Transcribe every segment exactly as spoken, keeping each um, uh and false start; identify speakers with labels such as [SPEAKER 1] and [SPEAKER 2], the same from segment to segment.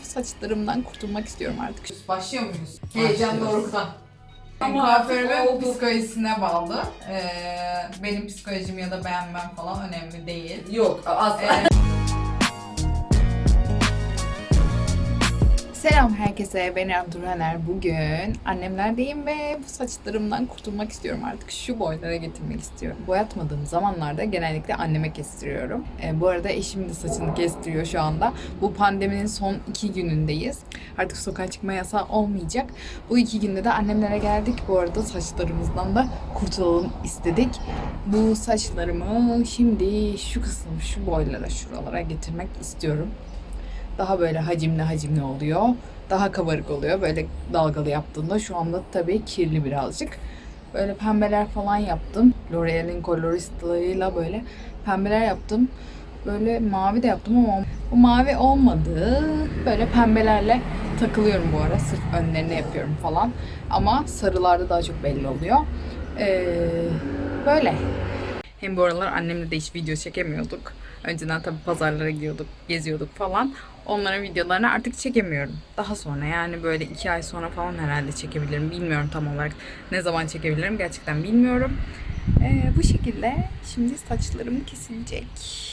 [SPEAKER 1] saçlarımdan kurtulmak istiyorum artık.
[SPEAKER 2] Başlıyor muyuz? Heyecan dorukta.
[SPEAKER 1] Ama
[SPEAKER 2] kuaförümün psikolojisine bağlı. Ee, benim psikolojim ya da beğenmem falan önemli değil.
[SPEAKER 3] Yok asla.
[SPEAKER 2] Ee,
[SPEAKER 1] Selam herkese, ben Abdurhaner. Bugün annemlerdeyim ve bu saçlarımdan kurtulmak istiyorum artık. Şu boylara getirmek istiyorum. Boyatmadığım zamanlarda genellikle anneme kestiriyorum. E, bu arada eşim de saçını kestiriyor şu anda. Bu pandeminin son iki günündeyiz. Artık sokağa çıkma yasağı olmayacak. Bu iki günde de annemlere geldik. Bu arada saçlarımızdan da kurtulalım istedik. Bu saçlarımı şimdi şu kısım, şu boylara, şuralara getirmek istiyorum. Daha böyle hacimli hacimli oluyor. Daha kabarık oluyor böyle dalgalı yaptığında. Şu anda tabii kirli birazcık. Böyle pembeler falan yaptım. L'Oreal'in Colorista'larıyla böyle pembeler yaptım. Böyle mavi de yaptım ama bu mavi olmadı. Böyle pembelerle takılıyorum bu ara. Sırf önlerine yapıyorum falan. Ama sarılarda daha çok belli oluyor. Ee, böyle. Hem bu aralar annemle de hiç video çekemiyorduk. Önceden tabii pazarlara gidiyorduk, geziyorduk falan. Onların videolarını artık çekemiyorum. Daha sonra yani böyle iki ay sonra falan herhalde çekebilirim. Bilmiyorum tam olarak ne zaman çekebilirim. Gerçekten bilmiyorum. Ee, bu şekilde şimdi saçlarım kesilecek.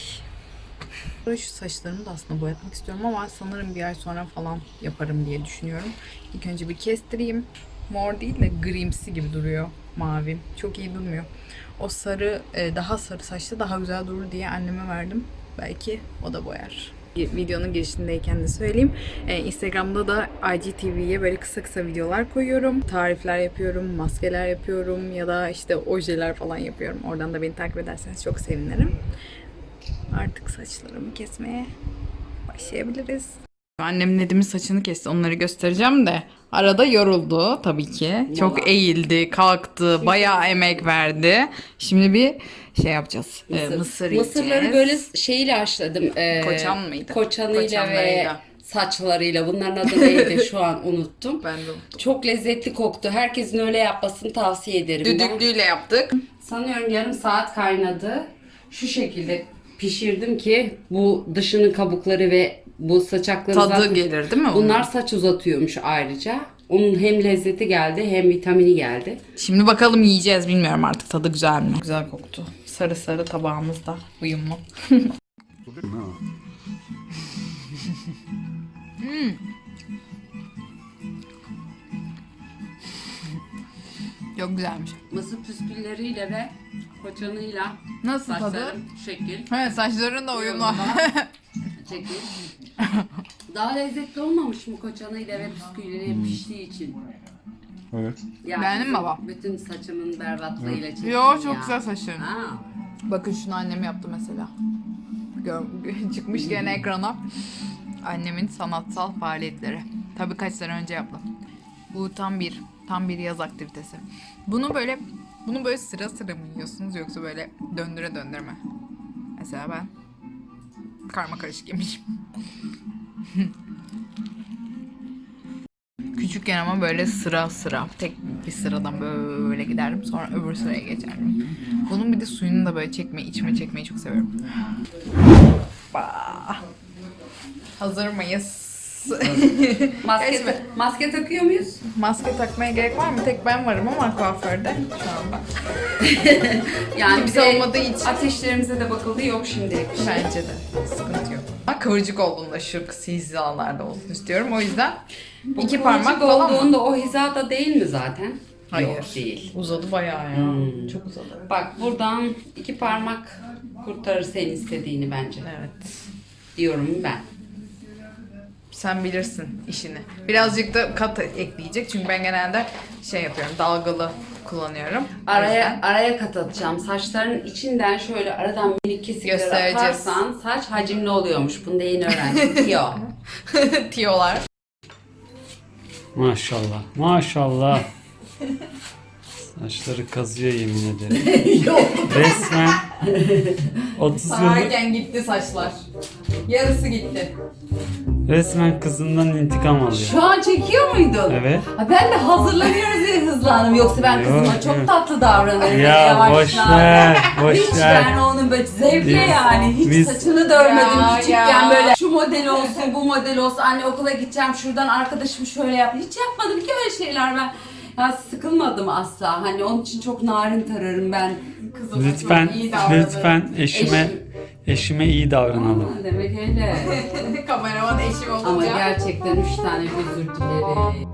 [SPEAKER 1] Şu saçlarımı da aslında boyatmak istiyorum ama sanırım bir ay sonra falan yaparım diye düşünüyorum. İlk önce bir kestireyim. Mor değil de grimsi gibi duruyor. Mavi. Çok iyi durmuyor. O sarı, daha sarı saçta daha güzel durur diye anneme verdim. Belki o da boyar. Videonun girişindeyken de söyleyeyim. Instagram'da da I G T V'ye böyle kısa kısa videolar koyuyorum. Tarifler yapıyorum, maskeler yapıyorum ya da işte ojeler falan yapıyorum. Oradan da beni takip ederseniz çok sevinirim. Artık saçlarımı kesmeye başlayabiliriz. Annem Nedim'in saçını kesti. Onları göstereceğim de. Arada yoruldu tabii ki. Çok
[SPEAKER 3] Vallahi.
[SPEAKER 1] eğildi, kalktı, bayağı emek verdi. Şimdi bir şey yapacağız. Mısır,
[SPEAKER 3] Mısır.
[SPEAKER 1] mısır yiyeceğiz.
[SPEAKER 3] Mısırları böyle şeyle haşladım. Ee,
[SPEAKER 1] Koçan mıydı?
[SPEAKER 3] Koçanıyla ve
[SPEAKER 1] Koçanlarıyla.
[SPEAKER 3] saçlarıyla. Bunların adı neydi şu an unuttum.
[SPEAKER 1] Ben de unuttum.
[SPEAKER 3] Çok lezzetli koktu. Herkesin öyle yapmasını tavsiye ederim.
[SPEAKER 1] Düdüklüyle yaptık.
[SPEAKER 3] Ben sanıyorum yarım saat kaynadı. Şu şekilde pişirdim ki bu dışının kabukları ve bu saçakları
[SPEAKER 1] Tadı
[SPEAKER 3] zaten-
[SPEAKER 1] gelir değil mi?
[SPEAKER 3] Bunlar
[SPEAKER 1] onun?
[SPEAKER 3] saç uzatıyormuş ayrıca. Onun hem lezzeti geldi hem vitamini geldi.
[SPEAKER 1] Şimdi bakalım yiyeceğiz. Bilmiyorum artık tadı güzel mi? Güzel koktu. Sarı sarı tabağımızda uyumlu. Hmm. Çok güzelmiş.
[SPEAKER 3] Mısır püskülleriyle ve koçanıyla
[SPEAKER 1] Nasıl tadı?
[SPEAKER 3] saçların şekil.
[SPEAKER 1] Evet, saçların da uyumlu.
[SPEAKER 3] Şekil. Daha lezzetli olmamış mı koçanıyla ve püskülleriyle piştiği için?
[SPEAKER 4] Evet.
[SPEAKER 3] Ya
[SPEAKER 1] Beğendin mi
[SPEAKER 3] bizim
[SPEAKER 1] baba?
[SPEAKER 3] Bütün saçımın berbatlığıyla çektim
[SPEAKER 1] Yo,
[SPEAKER 3] ya.
[SPEAKER 1] çok güzel saçların.
[SPEAKER 3] Ha.
[SPEAKER 1] Bakın şunu annem yaptı mesela. Gör, çıkmış gene ekrana. Annemin sanatsal faaliyetleri. Tabii kaç sene önce yaptım. Bu tam bir tam bir yaz aktivitesi. Bunu böyle bunu böyle sıra sıra mı yiyorsunuz yoksa böyle döndüre döndüre mi? Mesela ben karma karışık yemişim. Küçükken ama böyle sıra sıra tek bir sıradan böyle giderdim, sonra öbür sıraya geçerdim. Bunun bir de suyunu da böyle çekmeyi, içime çekmeyi çok seviyorum. Bah. Hazır mıyız?
[SPEAKER 3] Maske,
[SPEAKER 1] Geçme.
[SPEAKER 3] maske takıyor muyuz?
[SPEAKER 1] Maske takmaya gerek var mı? Tek ben varım ama kuaförde şu anda.
[SPEAKER 3] Yani
[SPEAKER 1] Kimse olmadığı için.
[SPEAKER 3] ateşlerimize de bakıldı yok şimdilik.
[SPEAKER 1] Bence de sıkıntı yok. Ama kıvırcık olduğunda şu hizalarda olsun istiyorum. O yüzden iki parmak falan mı?
[SPEAKER 3] olduğunda o hizada değil mi zaten?
[SPEAKER 1] Hayır.
[SPEAKER 3] Yok değil.
[SPEAKER 1] Uzadı bayağı ya.
[SPEAKER 3] Hmm.
[SPEAKER 1] Çok uzadı.
[SPEAKER 3] Bak buradan iki parmak kurtarır senin istediğini bence.
[SPEAKER 1] Evet.
[SPEAKER 3] Diyorum ben.
[SPEAKER 1] Sen bilirsin işini. Birazcık da kat ekleyecek çünkü ben genelde şey yapıyorum, dalgalı kullanıyorum. O
[SPEAKER 3] Araya
[SPEAKER 1] yüzden
[SPEAKER 3] araya kat atacağım. Saçların içinden şöyle aradan minik kesikler
[SPEAKER 1] Göstereceğiz.
[SPEAKER 3] atarsan saç hacimli oluyormuş. Bunu da yeni öğrendim. Yo.
[SPEAKER 1] tiyolar.
[SPEAKER 5] Maşallah. Maşallah. Saçları kazıyor yemin ederim. Resmen otuz yıllık
[SPEAKER 1] Sararken gitti saçlar. Yarısı gitti.
[SPEAKER 5] resmen kızından intikam alıyor.
[SPEAKER 3] Şu an çekiyor muydun?
[SPEAKER 5] Evet.
[SPEAKER 3] Ha, ben de hazırlanıyoruz diye hızlandım. Yoksa ben
[SPEAKER 5] Yok,
[SPEAKER 3] kızıma çok
[SPEAKER 5] yok.
[SPEAKER 3] tatlı davranırım.
[SPEAKER 5] Ya
[SPEAKER 3] Yavaşlar.
[SPEAKER 5] boş ver, boş
[SPEAKER 3] Hiç
[SPEAKER 5] ver.
[SPEAKER 3] ben onun böyle zevkle
[SPEAKER 5] Biz-
[SPEAKER 3] yani. Hiç
[SPEAKER 5] biz-
[SPEAKER 3] saçını dörmedim
[SPEAKER 1] Ya,
[SPEAKER 3] küçükken
[SPEAKER 1] ya.
[SPEAKER 3] böyle. Şu model olsun, bu model olsun. Anne okula gideceğim, şuradan arkadaşım şöyle yap. Hiç yapmadım ki öyle şeyler ben. Ya sıkılmadım asla. Hani onun için çok narin tararım ben.
[SPEAKER 2] Kızıma
[SPEAKER 5] Lütfen,
[SPEAKER 2] çok iyi davranın.
[SPEAKER 5] lütfen eşime
[SPEAKER 3] Eşim.
[SPEAKER 5] eşime iyi davranalım.
[SPEAKER 3] Aa, demek öyle.
[SPEAKER 2] Kameraman eşim olunca.
[SPEAKER 3] Ama gerçekten üç tane özür dilerim.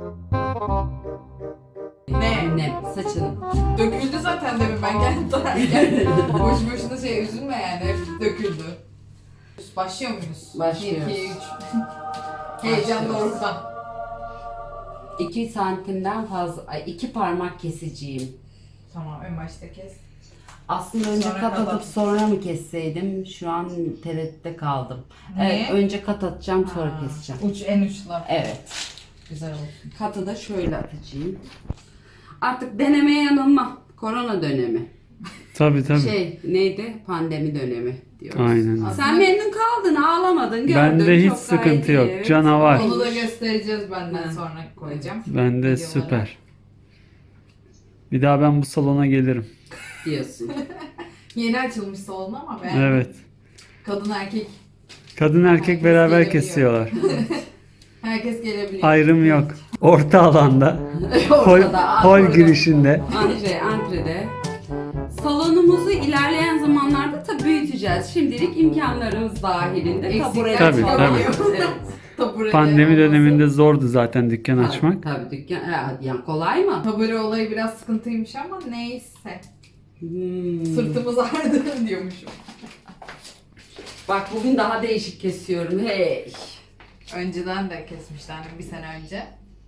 [SPEAKER 2] Ne?
[SPEAKER 3] Ne? Saçını.
[SPEAKER 2] Döküldü zaten demin ben geldim tararken. Boş boşuna şey üzülme yani hep döküldü. Başlıyor muyuz?
[SPEAKER 3] Başlıyoruz.
[SPEAKER 2] bir, iki, üç. Heyecan dorukta.
[SPEAKER 3] iki santimden fazla, ay, iki parmak keseceğim.
[SPEAKER 2] Tamam en başta kes.
[SPEAKER 3] Aslında önce
[SPEAKER 2] Sonra
[SPEAKER 3] kat
[SPEAKER 2] kat
[SPEAKER 3] atıp
[SPEAKER 2] at.
[SPEAKER 3] sonra mı kesseydim? Şu an tereddütte kaldım.
[SPEAKER 2] Niye?
[SPEAKER 3] Evet, önce kat atacağım sonra
[SPEAKER 2] Ha,
[SPEAKER 3] keseceğim.
[SPEAKER 2] Uç en uçlar.
[SPEAKER 3] Evet.
[SPEAKER 2] Güzel olsun.
[SPEAKER 3] Katı da şöyle atacağım. Artık deneme yanılma. Korona dönemi.
[SPEAKER 5] Tabii tabii.
[SPEAKER 3] Şey neydi? Pandemi dönemi diyoruz.
[SPEAKER 5] Aynen.
[SPEAKER 3] Sen memnun kaldın, ağlamadın, gördün.
[SPEAKER 5] Bende hiç
[SPEAKER 3] çok
[SPEAKER 5] sıkıntı
[SPEAKER 3] gayet iyi,
[SPEAKER 5] yok.
[SPEAKER 3] evet.
[SPEAKER 5] Canavar.
[SPEAKER 2] Onu da göstereceğiz benden
[SPEAKER 3] Ha.
[SPEAKER 2] sonra koyacağım.
[SPEAKER 5] Bende
[SPEAKER 2] Videoları.
[SPEAKER 5] süper. Bir daha ben bu salona gelirim.
[SPEAKER 3] Diyorsun.
[SPEAKER 2] Yeni açılmış salon ama ben
[SPEAKER 5] Evet.
[SPEAKER 2] kadın erkek
[SPEAKER 5] Kadın erkek
[SPEAKER 2] Herkes
[SPEAKER 5] beraber
[SPEAKER 2] gelebiliyor.
[SPEAKER 5] kesiyorlar.
[SPEAKER 2] herkes gelebiliyor.
[SPEAKER 5] Ayrım yok. Orta alanda. Hol,
[SPEAKER 3] Ortada,
[SPEAKER 5] hol
[SPEAKER 3] orada.
[SPEAKER 5] girişinde.
[SPEAKER 3] Antre, antrede. Salonumuzu ilerleyen zamanlarda tabii büyüteceğiz. Şimdilik imkanlarımız dahilinde.
[SPEAKER 2] Eksikler
[SPEAKER 3] Tabure
[SPEAKER 5] Tabii,
[SPEAKER 3] falan.
[SPEAKER 5] tabii.
[SPEAKER 3] Evet.
[SPEAKER 2] Tabure
[SPEAKER 5] Pandemi
[SPEAKER 2] olması.
[SPEAKER 5] döneminde zordu zaten dükkan açmak.
[SPEAKER 3] Tabii, tabii dükkan. Ya, yani kolay mı?
[SPEAKER 2] Tabure olayı biraz sıkıntıymış ama neyse.
[SPEAKER 3] Hmm.
[SPEAKER 2] Sırtımız ağrıdı diyormuşum.
[SPEAKER 3] Bak bugün daha değişik kesiyorum. Hey.
[SPEAKER 2] Önceden de kesmişlerdi bir sene önce.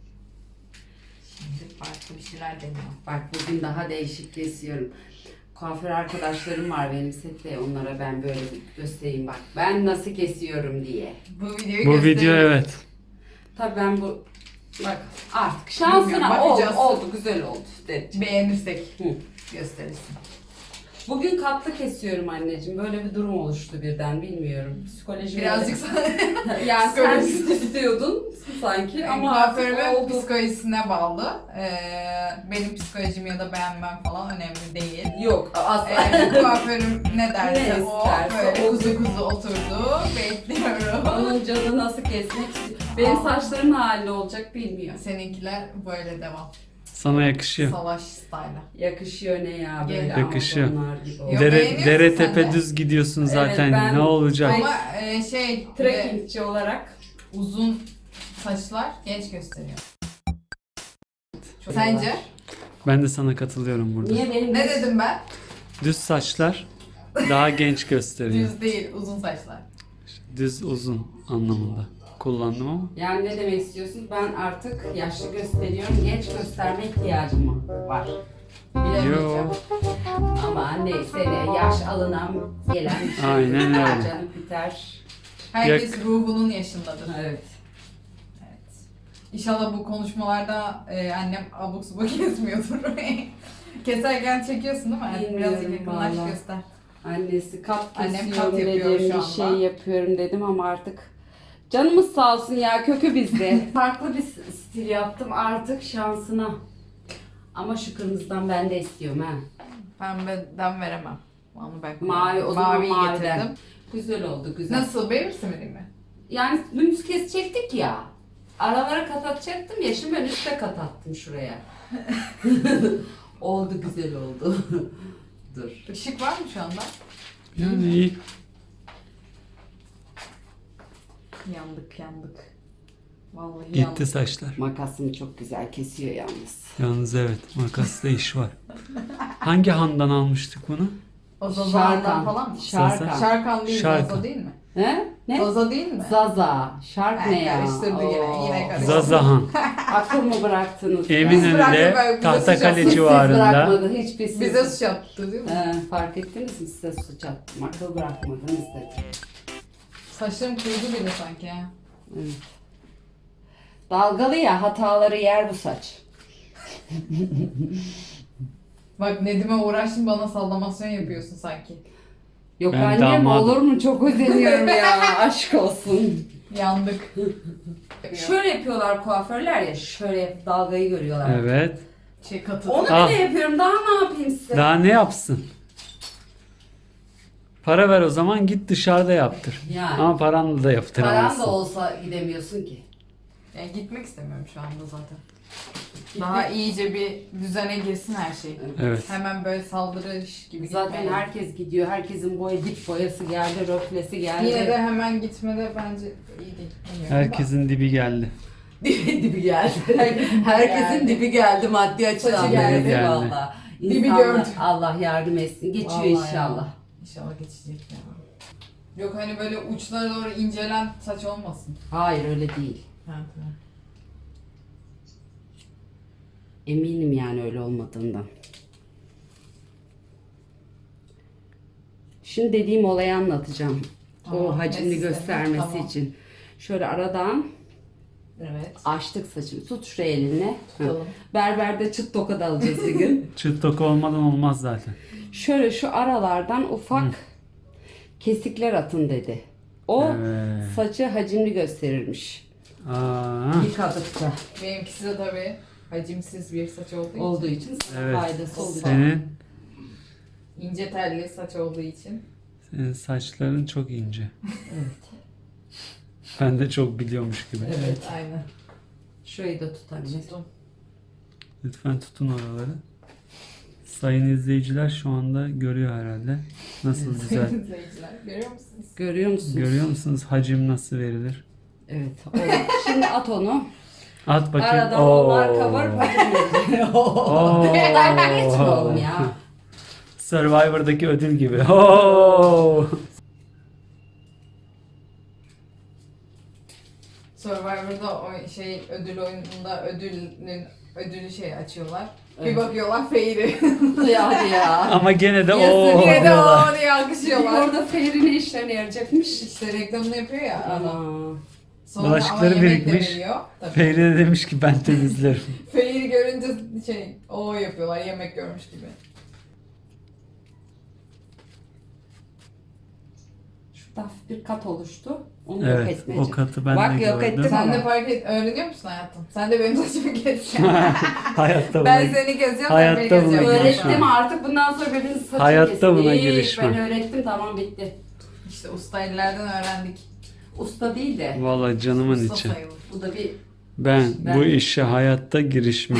[SPEAKER 2] Şimdi farklı bir şeyler deniyor.
[SPEAKER 3] Bak bugün daha değişik kesiyorum. Kuaför arkadaşlarım var benim sette. Onlara ben böyle göstereyim bak. Ben nasıl kesiyorum diye.
[SPEAKER 2] Bu videoyu
[SPEAKER 5] Bu
[SPEAKER 2] gösteririz.
[SPEAKER 5] video evet.
[SPEAKER 3] Tabii ben bu bak artık şansına
[SPEAKER 2] Bilmiyorum,
[SPEAKER 3] oldu,
[SPEAKER 2] bakacağız.
[SPEAKER 3] oldu güzel oldu dedi.
[SPEAKER 2] Beğenirsek
[SPEAKER 3] Hı.
[SPEAKER 2] gösterirsin.
[SPEAKER 3] Bugün katlı kesiyorum anneciğim. Böyle bir durum oluştu birden bilmiyorum. Psikolojim
[SPEAKER 2] Birazcık sana
[SPEAKER 3] yani sen
[SPEAKER 2] psikolojisi-
[SPEAKER 3] istiyordun sanki ama
[SPEAKER 2] ama
[SPEAKER 3] artık
[SPEAKER 2] kuaförümün
[SPEAKER 3] oldu.
[SPEAKER 2] psikolojisine bağlı. Ee, benim psikolojim ya da beğenmem falan önemli değil.
[SPEAKER 3] Yok asla.
[SPEAKER 2] Ee, kuaförüm ne derse
[SPEAKER 3] Ne
[SPEAKER 2] o
[SPEAKER 3] isterse
[SPEAKER 2] böyle
[SPEAKER 3] o.
[SPEAKER 2] kuzu kuzu oturdu. Bekliyorum.
[SPEAKER 3] Onun canı nasıl kesmek istiyor. Benim saçlarım ne halde olacak bilmiyor.
[SPEAKER 2] Seninkiler böyle devam.
[SPEAKER 5] Sana yakışıyor.
[SPEAKER 2] Salaş style'a.
[SPEAKER 3] Yakışıyor ne ya böyle
[SPEAKER 5] Yakışıyor.
[SPEAKER 3] Amazonlar gibi oldu.
[SPEAKER 2] Yok,
[SPEAKER 5] Dere,
[SPEAKER 2] beğeniyorsun
[SPEAKER 5] dere
[SPEAKER 2] sen
[SPEAKER 5] tepe
[SPEAKER 2] de.
[SPEAKER 5] düz gidiyorsun zaten.
[SPEAKER 3] ben-
[SPEAKER 5] Ne olacak?
[SPEAKER 2] Ama e, şey e,
[SPEAKER 3] Trekkingçi olarak.
[SPEAKER 2] uzun saçlar genç gösteriyor. Sence?
[SPEAKER 5] Ben de sana katılıyorum burada.
[SPEAKER 3] Niye benim
[SPEAKER 2] Ne dedim ben?
[SPEAKER 5] Düz saçlar daha genç gösteriyor.
[SPEAKER 2] Düz değil, uzun saçlar.
[SPEAKER 5] Düz uzun anlamında kullandım ama.
[SPEAKER 3] Yani ne demek istiyorsun? Ben artık yaşlı gösteriyorum. Genç gösterme ihtiyacım mı var?
[SPEAKER 2] Bilemeyeceğim.
[SPEAKER 5] Yo.
[SPEAKER 3] Ama neyse ne yaş alınan gelen bir şey.
[SPEAKER 5] Aynen öyle.
[SPEAKER 3] Canım biter.
[SPEAKER 2] Herkes ruhunun yaşındadır.
[SPEAKER 3] Evet.
[SPEAKER 2] Evet. İnşallah bu konuşmalarda e, annem abuk subuk kesmiyordur. Keserken çekiyorsun değil mi? Hadi
[SPEAKER 3] Bilmiyorum
[SPEAKER 2] birazcık yakınlaş
[SPEAKER 3] vallahi.
[SPEAKER 2] göster.
[SPEAKER 3] Annesi kat
[SPEAKER 2] Annem
[SPEAKER 3] kesiyorum
[SPEAKER 2] kat yapıyor
[SPEAKER 3] dedim,
[SPEAKER 2] şu
[SPEAKER 3] bir
[SPEAKER 2] anda.
[SPEAKER 3] şey yapıyorum dedim ama artık canımız sağ olsun ya kökü bizde. Farklı bir stil yaptım artık şansına. Ama şu kırmızıdan ben de istiyorum ha.
[SPEAKER 2] Pembeden veremem. Onu ben
[SPEAKER 3] Mavi o zaman
[SPEAKER 2] Maviyi
[SPEAKER 3] maviden.
[SPEAKER 2] getirdim.
[SPEAKER 3] Güzel oldu güzel.
[SPEAKER 2] Nasıl? Beğenirsin mi değil mi?
[SPEAKER 3] Yani dümdüz kesecektik ya. Aralara kat atacaktım ya şimdi ben üste kat attım şuraya. Oldu güzel oldu. Dur.
[SPEAKER 2] Işık var mı şu anda?
[SPEAKER 5] Yani iyi.
[SPEAKER 2] Yandık yandık. Vallahi
[SPEAKER 5] Gitti
[SPEAKER 2] yandık.
[SPEAKER 5] saçlar.
[SPEAKER 3] Makasım çok güzel kesiyor yalnız.
[SPEAKER 5] Yalnız evet makasla iş var. Hangi handan almıştık bunu?
[SPEAKER 2] O Zaza'dan
[SPEAKER 3] Şarkan.
[SPEAKER 2] falan mı?
[SPEAKER 3] Şarkan.
[SPEAKER 2] Şarkan değil,
[SPEAKER 5] Şarkan.
[SPEAKER 2] Zaza değil mi?
[SPEAKER 3] He? Ne?
[SPEAKER 2] Zaza değil mi?
[SPEAKER 3] Zaza. Şark
[SPEAKER 2] Ha,
[SPEAKER 3] ne ya?
[SPEAKER 2] karıştırdı yine,
[SPEAKER 3] Oo.
[SPEAKER 2] yine karıştırdı.
[SPEAKER 5] Zazahan.
[SPEAKER 3] Akıl mı bıraktınız? ya?
[SPEAKER 5] Eminönü'nde
[SPEAKER 2] bıraktık, bize
[SPEAKER 5] Tahtakale
[SPEAKER 2] sıcak.
[SPEAKER 3] Hiç
[SPEAKER 5] civarında.
[SPEAKER 3] bırakmadı. Hiçbir siz.
[SPEAKER 2] Bize suç attı değil mi?
[SPEAKER 3] He, fark ettiniz mi size suç attım. Akıl bırakmadınız dedi.
[SPEAKER 2] Saçlarım kurudu bile sanki ha.
[SPEAKER 3] Evet. Dalgalı ya hataları yer bu saç.
[SPEAKER 2] Bak Nedim'e uğraştın bana sallamasyon yapıyorsun sanki.
[SPEAKER 3] Yok
[SPEAKER 5] Ben
[SPEAKER 3] annem
[SPEAKER 5] damadım.
[SPEAKER 3] olur mu? Çok özeniyorum ya. Aşk olsun.
[SPEAKER 2] Yandık.
[SPEAKER 3] Şöyle yapıyorlar kuaförler ya. Şöyle yapıp dalgayı görüyorlar.
[SPEAKER 5] Evet.
[SPEAKER 2] Şey katı.
[SPEAKER 3] Onu
[SPEAKER 5] Ah.
[SPEAKER 3] bile yapıyorum. Daha ne yapayım size?
[SPEAKER 5] Daha ne yapsın? Para ver o zaman git dışarıda yaptır.
[SPEAKER 3] Yani.
[SPEAKER 5] Ama paranla da
[SPEAKER 3] Paran
[SPEAKER 5] yaptıramazsın.
[SPEAKER 3] da olsa gidemiyorsun ki.
[SPEAKER 2] Yani gitmek istemiyorum şu anda zaten. Daha iyice bir düzene girsin her şey.
[SPEAKER 5] Evet.
[SPEAKER 2] Hemen böyle saldırış gibi
[SPEAKER 3] Zaten
[SPEAKER 2] gitmeye.
[SPEAKER 3] herkes gidiyor. Herkesin boya dip boyası geldi, röflesi geldi.
[SPEAKER 2] Yine de hemen gitmede bence iyi değil. Bilmiyorum
[SPEAKER 5] Herkesin dibi geldi.
[SPEAKER 3] dibi, dibi geldi.
[SPEAKER 2] Herkesin
[SPEAKER 3] Herkesin
[SPEAKER 2] geldi.
[SPEAKER 3] dibi geldi maddi açıdan.
[SPEAKER 2] Saçı
[SPEAKER 5] geldi.
[SPEAKER 3] Geldi valla.
[SPEAKER 2] Dibi
[SPEAKER 3] İnsanlar-
[SPEAKER 2] gördü.
[SPEAKER 3] Allah yardım etsin. Geçiyor
[SPEAKER 2] Vallahi ya.
[SPEAKER 3] inşallah.
[SPEAKER 2] İnşallah geçecek ya. Yok hani böyle uçlara doğru incelen saç olmasın.
[SPEAKER 3] Hayır öyle değil.
[SPEAKER 2] Ha, tamam.
[SPEAKER 3] Eminim yani öyle olmadığından. Şimdi dediğim olayı anlatacağım.
[SPEAKER 2] Tamam,
[SPEAKER 3] O hacimli
[SPEAKER 2] neyse,
[SPEAKER 3] göstermesi
[SPEAKER 2] tamam.
[SPEAKER 3] için. Şöyle aradan
[SPEAKER 2] Evet.
[SPEAKER 3] açtık saçını. Tut şuraya elinle.
[SPEAKER 2] Tutalım.
[SPEAKER 3] Berberde çıt toka da alacağız bir gün.
[SPEAKER 5] Çıt toku olmadan olmaz zaten.
[SPEAKER 3] Şöyle şu aralardan ufak kesikler atın dedi. O
[SPEAKER 5] Evet.
[SPEAKER 3] saçı hacimli gösterirmiş.
[SPEAKER 5] Aa,
[SPEAKER 3] Yıkadıkça
[SPEAKER 2] Benimkisi de tabii hacimsiz bir saç olduğu için.
[SPEAKER 3] olduğu için sana
[SPEAKER 5] evet.
[SPEAKER 3] faydası olacak.
[SPEAKER 5] Senin,
[SPEAKER 2] İnce telli saç olduğu için.
[SPEAKER 5] senin saçların çok ince.
[SPEAKER 3] Evet.
[SPEAKER 5] Ben de çok biliyormuş gibi.
[SPEAKER 3] Evet.
[SPEAKER 2] Aynen.
[SPEAKER 3] Şurayı da tut anne.
[SPEAKER 2] Tuttum.
[SPEAKER 5] Lütfen tutun oraları. Sayın izleyiciler şu anda görüyor herhalde. Nasıl güzel.
[SPEAKER 2] İzleyiciler görüyor musunuz?
[SPEAKER 3] Görüyor musunuz?
[SPEAKER 5] Görüyor musunuz hacim nasıl verilir?
[SPEAKER 3] Evet. Olur. Şimdi at onu.
[SPEAKER 5] At bakayım.
[SPEAKER 3] Aradan
[SPEAKER 5] Oo.
[SPEAKER 3] onlar kabarıp
[SPEAKER 5] Oo.
[SPEAKER 3] Dalga geçme oğlum ya.
[SPEAKER 5] Survivor'daki ödül gibi. Oo.
[SPEAKER 2] Survivor'da o şey ödül oyununda ödülün ödülü şey açıyorlar. Bir
[SPEAKER 3] Evet.
[SPEAKER 2] bakıyorlar Feyri.
[SPEAKER 3] Ya hadi ya.
[SPEAKER 5] Ama gene de
[SPEAKER 3] Yazık,
[SPEAKER 5] o.
[SPEAKER 2] Yine de
[SPEAKER 5] diyorlar.
[SPEAKER 2] o diye alkışlıyorlar.
[SPEAKER 3] Orada Fehri ne işlerine yarayacakmış?
[SPEAKER 2] İşte reklamını yapıyor ya adam.
[SPEAKER 3] Ama.
[SPEAKER 2] Sonra
[SPEAKER 5] Bulaşıkları
[SPEAKER 2] ama yemek de
[SPEAKER 5] birikmiş.
[SPEAKER 2] veriyor. Tabii.
[SPEAKER 5] Feyri de demiş ki ben temizlerim.
[SPEAKER 2] Feyri görünce şey o yapıyorlar yemek görmüş gibi.
[SPEAKER 3] Şurada hafif bir kat oluştu. Onu yok
[SPEAKER 5] Evet
[SPEAKER 3] etmeyeceğim.
[SPEAKER 5] o katı ben
[SPEAKER 3] Bak,
[SPEAKER 5] de
[SPEAKER 3] yok
[SPEAKER 5] gördüm.
[SPEAKER 3] ettim.
[SPEAKER 2] Sen
[SPEAKER 3] Tamam.
[SPEAKER 2] de fark et, öğreniyor musun hayatım? Sen de benim saçımı keseceksin.
[SPEAKER 5] Hayatta
[SPEAKER 2] Ben
[SPEAKER 5] buna,
[SPEAKER 2] seni kesiyorum,
[SPEAKER 5] Hayatta
[SPEAKER 2] sen beni
[SPEAKER 5] buna
[SPEAKER 2] kesiyorsun.
[SPEAKER 5] girişmem.
[SPEAKER 3] Öğrettim artık bundan sonra birbirinizin saçını
[SPEAKER 5] Hayatta
[SPEAKER 3] kesin.
[SPEAKER 5] buna
[SPEAKER 3] Hiç,
[SPEAKER 5] girişmem.
[SPEAKER 3] Ben öğrettim tamam bitti.
[SPEAKER 2] İşte usta ellerden öğrendik.
[SPEAKER 3] Usta değil de
[SPEAKER 5] Vallahi canımın
[SPEAKER 2] Usta
[SPEAKER 5] içi.
[SPEAKER 2] sayılır.
[SPEAKER 3] bu da bir
[SPEAKER 5] Ben,
[SPEAKER 3] Ben-
[SPEAKER 5] bu işe hayatta girişmem.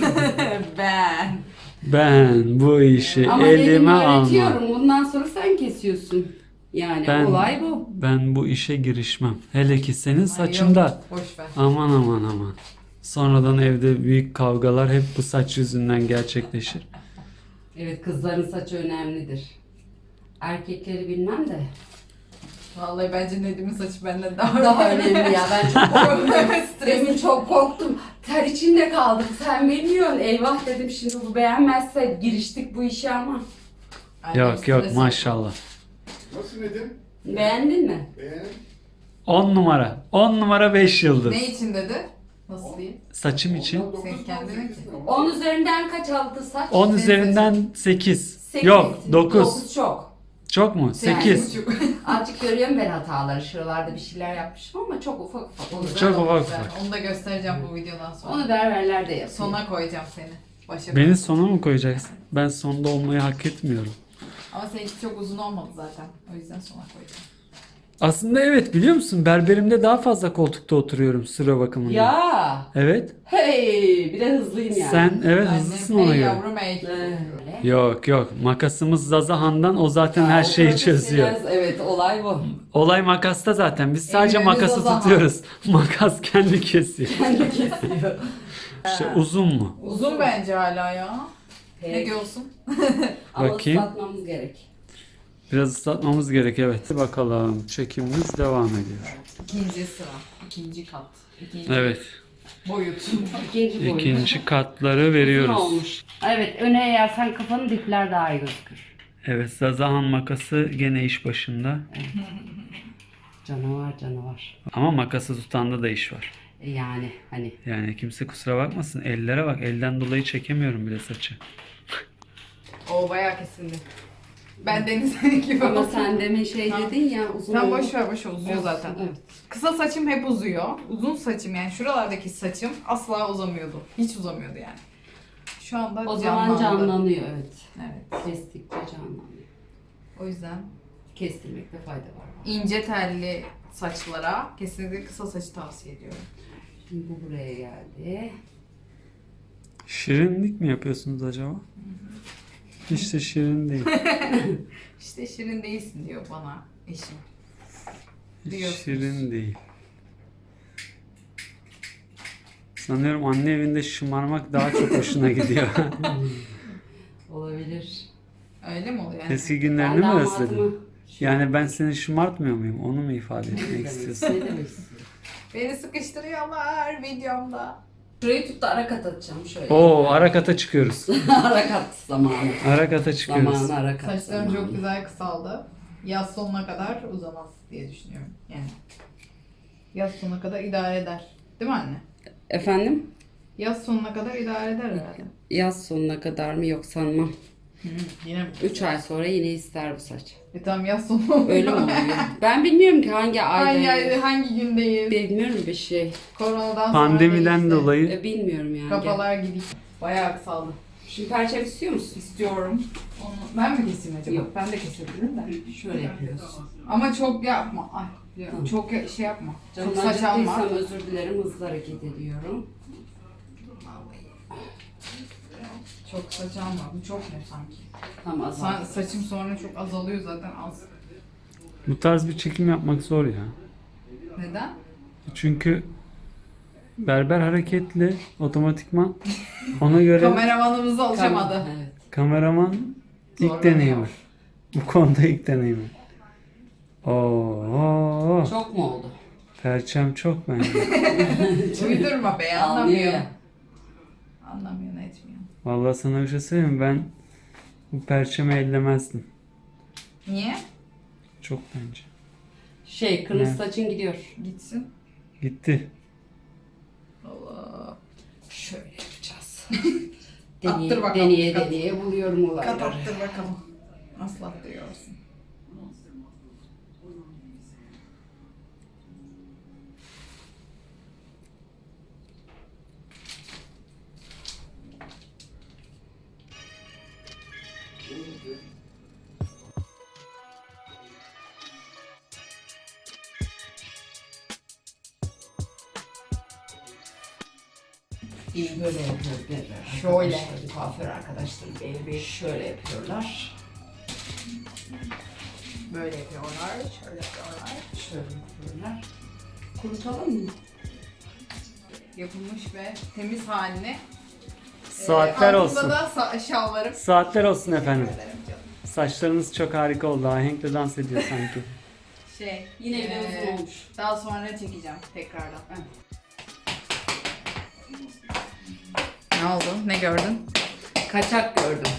[SPEAKER 2] ben.
[SPEAKER 5] Ben bu işi
[SPEAKER 3] ama dedim
[SPEAKER 5] elime almam.
[SPEAKER 3] öğretiyorum. Bundan sonra sen kesiyorsun. Yani
[SPEAKER 5] Ben-
[SPEAKER 3] olay bu.
[SPEAKER 5] Ben bu işe girişmem. Hele ki senin
[SPEAKER 2] Ay,
[SPEAKER 5] saçında.
[SPEAKER 2] yok, boş ver.
[SPEAKER 5] Aman aman aman. Sonradan evde büyük kavgalar hep bu saç yüzünden gerçekleşir.
[SPEAKER 3] Evet kızların saçı önemlidir. Erkekleri bilmem de.
[SPEAKER 2] Vallahi bence Nedim'in saçı benden daha,
[SPEAKER 3] Daha önemli ya ben çok korktum.
[SPEAKER 2] Stres.
[SPEAKER 3] Demin çok korktum. Ter içinde kaldık. Sen bilmiyorsun. Eyvah dedim şimdi bu beğenmezse giriştik bu işe ama.
[SPEAKER 2] Annem
[SPEAKER 5] Yok yok
[SPEAKER 2] stres
[SPEAKER 5] maşallah.
[SPEAKER 4] Nasıl Nedim?
[SPEAKER 3] Beğendin mi?
[SPEAKER 4] Beğen.
[SPEAKER 5] on numara. on numara beş yıldız.
[SPEAKER 2] Ne için dedi? Nasıl diyeyim?
[SPEAKER 5] Saçım için.
[SPEAKER 2] Sen kendine ki.
[SPEAKER 3] on üzerinden kaç aldı saç?
[SPEAKER 5] on
[SPEAKER 2] Senin
[SPEAKER 5] üzerinden sekiz.
[SPEAKER 3] Sekiz.
[SPEAKER 5] Yok dokuz.
[SPEAKER 3] dokuz çok.
[SPEAKER 5] Çok mu? sekiz.
[SPEAKER 2] Sekiz buçuk.
[SPEAKER 3] Azıcık görüyorum ben hataları. Şuralarda bir şeyler yapmışım ama çok ufak ufak. Onu,
[SPEAKER 5] Çok ufak
[SPEAKER 2] Ben
[SPEAKER 5] ufak.
[SPEAKER 2] onu da göstereceğim bu videodan sonra.
[SPEAKER 3] onu berberler de yapıyor.
[SPEAKER 2] Sona koyacağım seni. Başa
[SPEAKER 5] Beni sona mı koyacaksın? Ben sonda olmayı hak etmiyorum.
[SPEAKER 2] Ama seninki çok uzun olmadı zaten. O yüzden sona koyacağım.
[SPEAKER 5] Aslında evet biliyor musun? Berberimde daha fazla koltukta oturuyorum sıra bakımında.
[SPEAKER 3] Ya.
[SPEAKER 5] Evet.
[SPEAKER 3] Hey, bir de hızlıyım yani.
[SPEAKER 5] Sen evet
[SPEAKER 2] Annem,
[SPEAKER 5] hızlısın ona
[SPEAKER 2] ey
[SPEAKER 5] göre.
[SPEAKER 2] yavrum ey.
[SPEAKER 3] Öyle.
[SPEAKER 5] Yok yok makasımız Zazahan'dan o zaten her
[SPEAKER 3] O
[SPEAKER 5] şeyi çözüyor.
[SPEAKER 3] profesyonel- Evet olay bu.
[SPEAKER 5] Olay makasta zaten. Biz sadece
[SPEAKER 2] Ellerimiz
[SPEAKER 5] makası
[SPEAKER 2] Zazahan.
[SPEAKER 5] tutuyoruz. Makas kendi kesiyor.
[SPEAKER 3] Kendi kesiyor.
[SPEAKER 5] İşte uzun mu?
[SPEAKER 2] Uzun bence hala ya. Ne
[SPEAKER 3] Peki.
[SPEAKER 2] diyorsun?
[SPEAKER 3] Ama
[SPEAKER 5] Bakayım.
[SPEAKER 3] ıslatmamız gerek.
[SPEAKER 5] Biraz ıslatmamız gerek evet. Bakalım çekimimiz devam ediyor.
[SPEAKER 2] İkinci sıra. İkinci kat. İkinci
[SPEAKER 5] Evet.
[SPEAKER 2] boyut.
[SPEAKER 3] İkinci boyut.
[SPEAKER 5] İkinci katları
[SPEAKER 3] Uzun
[SPEAKER 5] veriyoruz.
[SPEAKER 3] olmuş. Evet öne eğersen kafanın dipler daha iyi gözükür.
[SPEAKER 5] Evet Zazahan makası gene iş başında.
[SPEAKER 3] Canavar canavar.
[SPEAKER 5] Ama makası tutanda da iş var.
[SPEAKER 3] E Yani hani.
[SPEAKER 5] Yani kimse kusura bakmasın. Ellere bak. Elden dolayı çekemiyorum bile saçı.
[SPEAKER 2] O bayağı kesildi. Ben Deniz'in gibi
[SPEAKER 3] Ama
[SPEAKER 2] oldum.
[SPEAKER 3] sen demin şey
[SPEAKER 2] Tamam.
[SPEAKER 3] dedin ya uzun
[SPEAKER 2] Sen
[SPEAKER 3] olmuş.
[SPEAKER 2] boş ver boş ver, uzuyor
[SPEAKER 3] Olsun,
[SPEAKER 2] zaten.
[SPEAKER 3] evet.
[SPEAKER 2] Kısa saçım hep uzuyor. Uzun saçım yani şuralardaki saçım asla uzamıyordu. Hiç uzamıyordu yani. Şu anda
[SPEAKER 3] O zaman
[SPEAKER 2] canlandı.
[SPEAKER 3] canlanıyor evet.
[SPEAKER 2] Evet.
[SPEAKER 3] Kestikçe canlanıyor.
[SPEAKER 2] O yüzden
[SPEAKER 3] kestirmekte fayda var.
[SPEAKER 2] İnce telli saçlara kesinlikle kısa saçı tavsiye ediyorum.
[SPEAKER 3] Şimdi bu buraya geldi.
[SPEAKER 5] Şirinlik mi yapıyorsunuz acaba? Hiç de şirin değil.
[SPEAKER 2] İşte şirin değilsin diyor bana eşim.
[SPEAKER 5] Hiç
[SPEAKER 2] Diyorsunuz.
[SPEAKER 5] şirin değil. Sanıyorum anne evinde şımarmak daha çok hoşuna gidiyor.
[SPEAKER 3] Olabilir.
[SPEAKER 2] Öyle mi oluyor yani?
[SPEAKER 5] Eski
[SPEAKER 3] Ben
[SPEAKER 5] günlerini mi
[SPEAKER 3] damatımı...
[SPEAKER 5] özledin? Yani ben seni şımartmıyor muyum? Onu mu ifade etmek istiyorsun?
[SPEAKER 3] Ne demek istiyorsun?
[SPEAKER 2] Beni sıkıştırıyorlar videomda.
[SPEAKER 3] Şurayı tut da ara kat atacağım şöyle.
[SPEAKER 5] Oo, ara kata çıkıyoruz.
[SPEAKER 3] Ara kat zamanı.
[SPEAKER 5] Ara kata çıkıyoruz.
[SPEAKER 3] Zamanı ara kat
[SPEAKER 2] Saçlarım
[SPEAKER 3] zamanı.
[SPEAKER 2] çok güzel kısaldı. Yaz sonuna kadar uzamaz diye düşünüyorum. Yani yaz sonuna kadar idare eder. Değil mi anne?
[SPEAKER 3] Efendim?
[SPEAKER 2] Yaz sonuna kadar idare eder herhalde.
[SPEAKER 3] Yaz sonuna kadar mı yok sanmam.
[SPEAKER 2] Hı, yine mi?
[SPEAKER 3] üç ay sonra yine ister bu saç.
[SPEAKER 2] E tamam yaz sonu oluyor.
[SPEAKER 3] Öyle mi oluyor? Ben bilmiyorum ki hangi ayda.
[SPEAKER 2] Hangi ayda, hangi gündeyiz?
[SPEAKER 3] Bilmiyorum bir şey.
[SPEAKER 2] Koronadan sonra
[SPEAKER 5] Pandemiden
[SPEAKER 2] değişti.
[SPEAKER 5] dolayı
[SPEAKER 3] E, bilmiyorum yani.
[SPEAKER 2] Kafalar gidik. Bayağı kısaldı.
[SPEAKER 3] Şimdi perçem istiyor musun?
[SPEAKER 2] İstiyorum. Onu ben mi keseyim acaba?
[SPEAKER 3] Yok.
[SPEAKER 2] Ben de kesebilirim de.
[SPEAKER 3] Şöyle yapıyorsun.
[SPEAKER 2] Ama çok yapma. Ay,
[SPEAKER 3] Tamam.
[SPEAKER 2] çok ya- şey yapma.
[SPEAKER 3] Canım
[SPEAKER 2] Çok saç alma.
[SPEAKER 3] acıttıysam özür dilerim, hızlı hareket ediyorum.
[SPEAKER 2] Çok saç alma. Bu çok ne sanki?
[SPEAKER 3] Tamam azal.
[SPEAKER 2] Sa- saçım sonra çok azalıyor zaten az.
[SPEAKER 5] bu tarz bir çekim yapmak zor ya.
[SPEAKER 2] Neden?
[SPEAKER 5] Çünkü berber hareketli otomatikman ona göre
[SPEAKER 2] Kameramanımız alışamadı.
[SPEAKER 3] Evet.
[SPEAKER 5] kameraman ilk
[SPEAKER 2] Zorlanıyor.
[SPEAKER 5] deneyimi. Bu konuda ilk deneyimi. Oo,
[SPEAKER 3] Çok mu oldu?
[SPEAKER 5] perçem çok bence.
[SPEAKER 2] Uydurma be
[SPEAKER 3] Anlıyor
[SPEAKER 2] anlamıyor.
[SPEAKER 3] ya.
[SPEAKER 2] Anlamıyor ne etmiyor.
[SPEAKER 5] Vallahi sana bir şey söyleyeyim mi? Ben bu perçemi ellemezdim.
[SPEAKER 2] Niye?
[SPEAKER 5] Çok bence.
[SPEAKER 3] Şey, kırmızı
[SPEAKER 5] Ne?
[SPEAKER 3] saçın gidiyor.
[SPEAKER 2] Gitsin.
[SPEAKER 5] Gitti.
[SPEAKER 2] Allah.
[SPEAKER 3] Şöyle yapacağız.
[SPEAKER 2] Attır
[SPEAKER 3] deneye,
[SPEAKER 2] bakalım.
[SPEAKER 3] deneye
[SPEAKER 2] Kat-
[SPEAKER 3] deneye buluyorum olayları.
[SPEAKER 2] Kat attır bakalım. Nasıl attırıyorsun?
[SPEAKER 3] Böyle yapıyor berber.
[SPEAKER 2] Şöyle.
[SPEAKER 3] Arkadaşlar, Kuaför arkadaşlarım beni bir şöyle yapıyorlar.
[SPEAKER 2] Böyle yapıyorlar, şöyle yapıyorlar.
[SPEAKER 3] Şöyle yapıyorlar. Kurutalım mı?
[SPEAKER 2] Yapılmış ve temiz halini.
[SPEAKER 5] Saatler
[SPEAKER 2] Ee,
[SPEAKER 5] olsun.
[SPEAKER 2] Altında da sa- şalvarım.
[SPEAKER 5] Saatler olsun efendim.
[SPEAKER 2] Teşekkür ederim canım.
[SPEAKER 5] Saçlarınız çok harika oldu. Ahenkle dans ediyor sanki.
[SPEAKER 2] Şey,
[SPEAKER 3] Yine bir
[SPEAKER 2] ee,
[SPEAKER 3] uzun olmuş.
[SPEAKER 2] Daha sonra çekeceğim tekrardan. Ne oldu? Ne gördün?
[SPEAKER 3] Kaçak gördüm.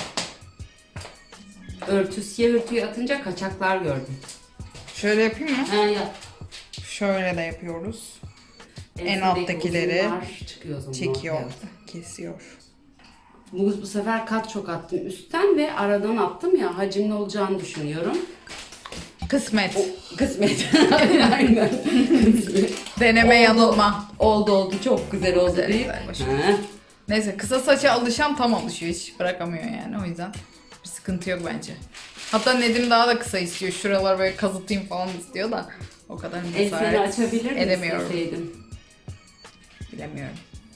[SPEAKER 3] Örtüsüye örtüyü atınca kaçaklar gördüm.
[SPEAKER 2] Şöyle yapayım mı?
[SPEAKER 3] Ha ya.
[SPEAKER 2] Şöyle de yapıyoruz.
[SPEAKER 3] Ensindeki
[SPEAKER 2] alttakileri
[SPEAKER 3] uzunlar çıkıyor o zaman
[SPEAKER 2] Çekiyor,
[SPEAKER 3] ortaya.
[SPEAKER 2] kesiyor.
[SPEAKER 3] Bu, bu sefer kat çok attım üstten ve aradan attım ya, hacimli olacağını düşünüyorum.
[SPEAKER 2] Kısmet.
[SPEAKER 3] Kısmet. Aynen. Kısmet.
[SPEAKER 2] Deneme
[SPEAKER 3] Oldu.
[SPEAKER 2] yanılma.
[SPEAKER 3] Oldu oldu, çok güzel oldu
[SPEAKER 2] Güzel,
[SPEAKER 3] deyip.
[SPEAKER 2] güzel, başarılı.
[SPEAKER 3] Ha.
[SPEAKER 2] Neyse kısa saça alışan tam alışıyor, hiç bırakamıyor yani, o yüzden bir sıkıntı yok bence. Hatta Nedim daha da kısa istiyor, şuralar böyle kazıtayım falan istiyor da o kadar
[SPEAKER 3] Enseni
[SPEAKER 2] cesaret
[SPEAKER 3] açabilir mi
[SPEAKER 2] edemiyorum.
[SPEAKER 3] isteseydim?
[SPEAKER 2] Bilemiyorum.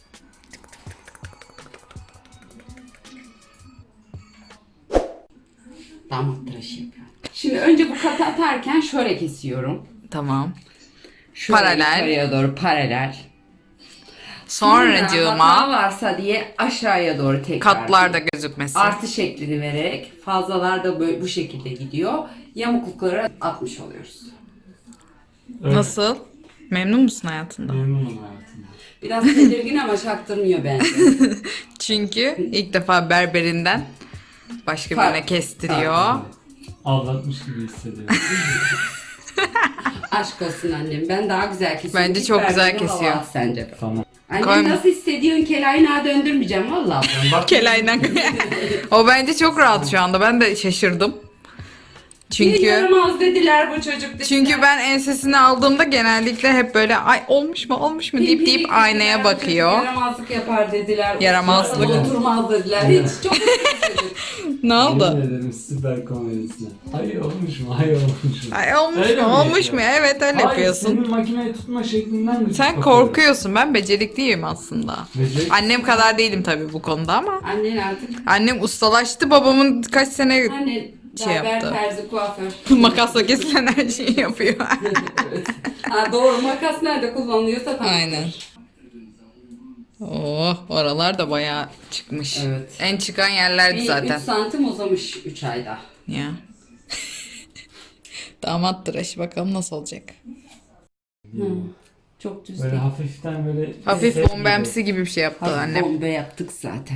[SPEAKER 3] Damat tıraşı yapıyorum. Şimdi önce bu katı atarken şöyle kesiyorum.
[SPEAKER 2] Tamam.
[SPEAKER 3] Şöyle
[SPEAKER 2] Paralel.
[SPEAKER 3] yukarıya doğru paralel.
[SPEAKER 2] Sonracığıma
[SPEAKER 3] hata varsa diye aşağıya doğru tekrar.
[SPEAKER 2] katlar da gözükmesin.
[SPEAKER 3] Artı şeklini vererek fazlalar da böyle bu şekilde gidiyor. Yamuklukları atmış oluyoruz.
[SPEAKER 2] Nasıl? Memnun musun hayatında?
[SPEAKER 5] Memnunum hayatımda.
[SPEAKER 3] Biraz tedirgin ama çaktırmıyor bence.
[SPEAKER 2] Çünkü ilk defa berberinden başka
[SPEAKER 3] Fark-
[SPEAKER 2] birine kestiriyor.
[SPEAKER 5] Aldatmış gibi hissediyorum.
[SPEAKER 3] Aşk olsun annem. Ben daha güzel kesiyorum.
[SPEAKER 2] Bence
[SPEAKER 3] Git
[SPEAKER 2] çok güzel
[SPEAKER 3] berberine hava
[SPEAKER 2] kesiyor.
[SPEAKER 3] at Sence.
[SPEAKER 5] Tamam.
[SPEAKER 3] Annem
[SPEAKER 2] Koyma.
[SPEAKER 3] nasıl hissediyorsun? Kelaynağı döndürmeyeceğim valla.
[SPEAKER 2] Kelaydan. O bence çok rahat şu anda. Ben de şaşırdım. Çünkü
[SPEAKER 3] yaramaz dediler bu çocuk dediler.
[SPEAKER 2] çünkü ben ensesini aldığımda genellikle hep böyle ay olmuş mu olmuş mu deyip
[SPEAKER 3] Pimpirik
[SPEAKER 2] deyip
[SPEAKER 3] dediler,
[SPEAKER 2] aynaya
[SPEAKER 3] bu çocuk
[SPEAKER 2] bakıyor.
[SPEAKER 3] Yaramazlık yapar dediler.
[SPEAKER 2] Yaramazlık.
[SPEAKER 3] Oturmaz dediler. Hiç çok çocuk.
[SPEAKER 2] Ne oldu?
[SPEAKER 5] Yemin ederim süper komedisine. Hayır olmuş mu? Hayır olmuş mu?
[SPEAKER 2] Ay olmuş
[SPEAKER 5] Öyle
[SPEAKER 2] mu
[SPEAKER 5] mi
[SPEAKER 2] olmuş
[SPEAKER 5] yapıyor?
[SPEAKER 2] mu? Evet öyle
[SPEAKER 5] Hayır,
[SPEAKER 2] yapıyorsun.
[SPEAKER 5] senin makineyi tutma şeklinden mi?
[SPEAKER 2] Sen
[SPEAKER 5] bakıyorum?
[SPEAKER 2] korkuyorsun. Ben becerikliyim aslında.
[SPEAKER 5] Beceri-
[SPEAKER 2] Annem kadar değilim tabii bu konuda ama.
[SPEAKER 3] Annen artık.
[SPEAKER 2] Annem ustalaştı. Babamın kaç sene
[SPEAKER 3] Annen
[SPEAKER 2] Şey
[SPEAKER 3] berber,
[SPEAKER 2] yaptı.
[SPEAKER 3] terzi, kuaför.
[SPEAKER 2] makasla kesilen her şeyi yapıyor.
[SPEAKER 3] Evet. Ha, doğru, makas nerede kullanılıyorsa tamam.
[SPEAKER 2] Aynen. Oh, oralar da bayağı çıkmış.
[SPEAKER 3] Evet.
[SPEAKER 2] En çıkan yerlerdi
[SPEAKER 3] Bir
[SPEAKER 2] zaten.
[SPEAKER 3] üç santim uzamış üç ayda.
[SPEAKER 2] Ya. Damat tıraşı bakalım nasıl olacak.
[SPEAKER 3] Hı. Çok düz
[SPEAKER 5] Böyle
[SPEAKER 3] değil.
[SPEAKER 5] hafiften böyle...
[SPEAKER 2] Hafif
[SPEAKER 5] set
[SPEAKER 2] bombemsi gibi bir şey yaptı
[SPEAKER 3] Hafif
[SPEAKER 2] annem.
[SPEAKER 3] bombe yaptık zaten.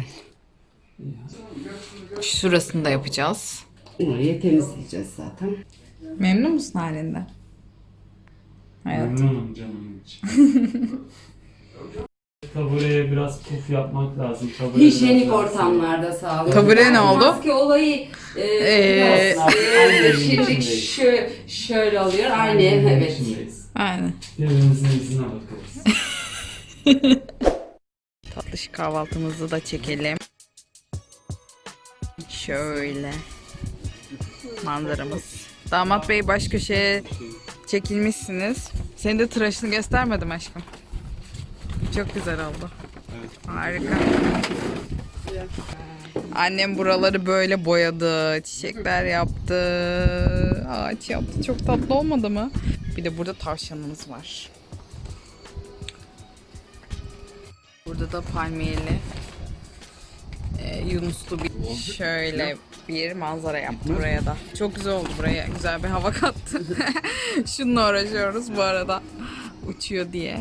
[SPEAKER 2] Şurasını da yapacağız.
[SPEAKER 3] Orayı temizleyeceğiz zaten.
[SPEAKER 2] Memnun musun halinden? Hayat.
[SPEAKER 5] Memnunum canım için. Tabureye biraz puf yapmak lazım. Tabure
[SPEAKER 3] Hijyenik
[SPEAKER 5] biraz daha-
[SPEAKER 3] ortamlarda sağlıyor.
[SPEAKER 2] Tabure ne oldu?
[SPEAKER 3] Maske olayı e,
[SPEAKER 2] Ee,
[SPEAKER 3] biraz,
[SPEAKER 5] Aynı
[SPEAKER 3] e,
[SPEAKER 5] evin
[SPEAKER 3] şimdi
[SPEAKER 5] içindeyiz.
[SPEAKER 3] şö, şöyle oluyor. Aynı
[SPEAKER 5] Aynı evin
[SPEAKER 3] evet.
[SPEAKER 5] içindeyiz.
[SPEAKER 2] Aynen.
[SPEAKER 5] Birbirimizin yüzüne bakarız.
[SPEAKER 2] Tatlış kahvaltımızı da çekelim. Şöyle. Manzaramız. Damat bey baş köşeye çekilmişsiniz. Senin de tıraşını göstermedim aşkım. Çok güzel oldu. Harika. Annem buraları böyle boyadı. Çiçekler yaptı. Ağaç yaptı. Çok tatlı olmadı mı? Bir de burada tavşanımız var. Burada da palmiyeli e, yunuslu bir şöyle bir manzara yaptı buraya da. Çok güzel oldu buraya. Güzel bir hava kattı. Şununla uğraşıyoruz bu arada. Uçuyor diye.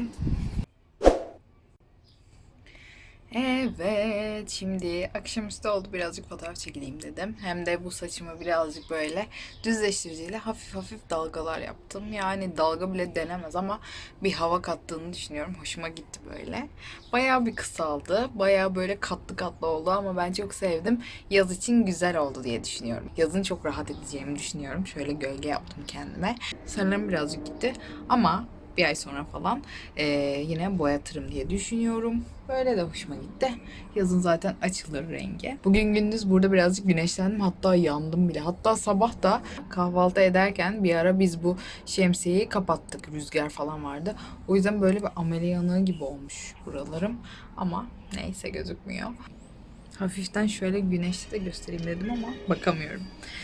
[SPEAKER 2] Evet, şimdi akşamüstü oldu, birazcık fotoğraf çekileyim dedim. Hem de bu saçımı birazcık böyle düzleştiriciyle hafif hafif dalgalar yaptım. Yani dalga bile denemez ama bir hava kattığını düşünüyorum. Hoşuma gitti böyle. Bayağı bir kısaldı. Bayağı böyle katlı katlı oldu ama ben çok sevdim. Yaz için güzel oldu diye düşünüyorum. Yazın çok rahat edeceğimi düşünüyorum. Şöyle gölge yaptım kendime. Sanırım birazcık gitti ama bir ay sonra falan e, yine boyatırım diye düşünüyorum. Böyle de hoşuma gitti. Yazın zaten açılır rengi. Bugün gündüz burada birazcık güneşlendim. Hatta yandım bile. Hatta sabah da kahvaltı ederken bir ara biz bu şemsiyeyi kapattık. Rüzgar falan vardı. O yüzden böyle bir amele yanığı gibi olmuş buralarım. Ama neyse gözükmüyor. Hafiften şöyle güneşte de göstereyim dedim ama bakamıyorum.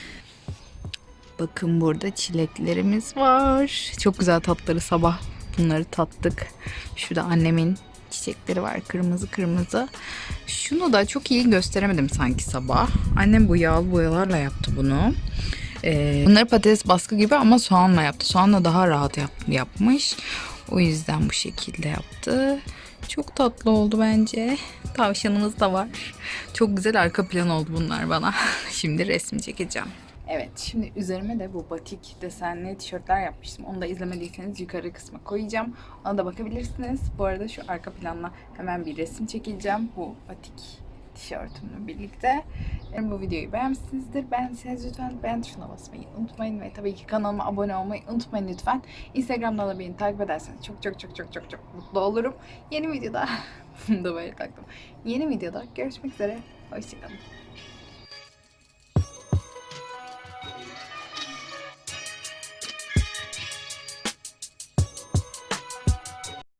[SPEAKER 2] Bakın burada çileklerimiz var. Çok güzel tatları, sabah bunları tattık. Şurada annemin çiçekleri var, kırmızı kırmızı. Şunu da çok iyi gösteremedim sanki sabah. Annem bu yağlı boyalarla yaptı bunu. Ee, bunları patates baskı gibi ama soğanla yaptı. Soğanla daha rahat yap, yapmış. O yüzden bu şekilde yaptı. Çok tatlı oldu bence. Tavşanımız da var. Çok güzel arka plan oldu bunlar bana. Şimdi resim çekeceğim. Evet, şimdi üzerime de bu batik desenli tişörtler yapmıştım. Onu da izlemediyseniz yukarı kısma koyacağım. Ona da bakabilirsiniz. Bu arada şu arka planla hemen bir resim çekeceğim. Bu batik tişörtümle birlikte. Umarım bu videoyu beğenmişsinizdir. Beğendiyseniz lütfen beğen tuşuna basmayı unutmayın. Ve tabii ki kanalıma abone olmayı unutmayın lütfen. Instagram'da da beni takip ederseniz çok çok çok çok çok çok mutlu olurum. Yeni videoda, bunu da böyle taktım. Yeni videoda görüşmek üzere. Hoşçakalın.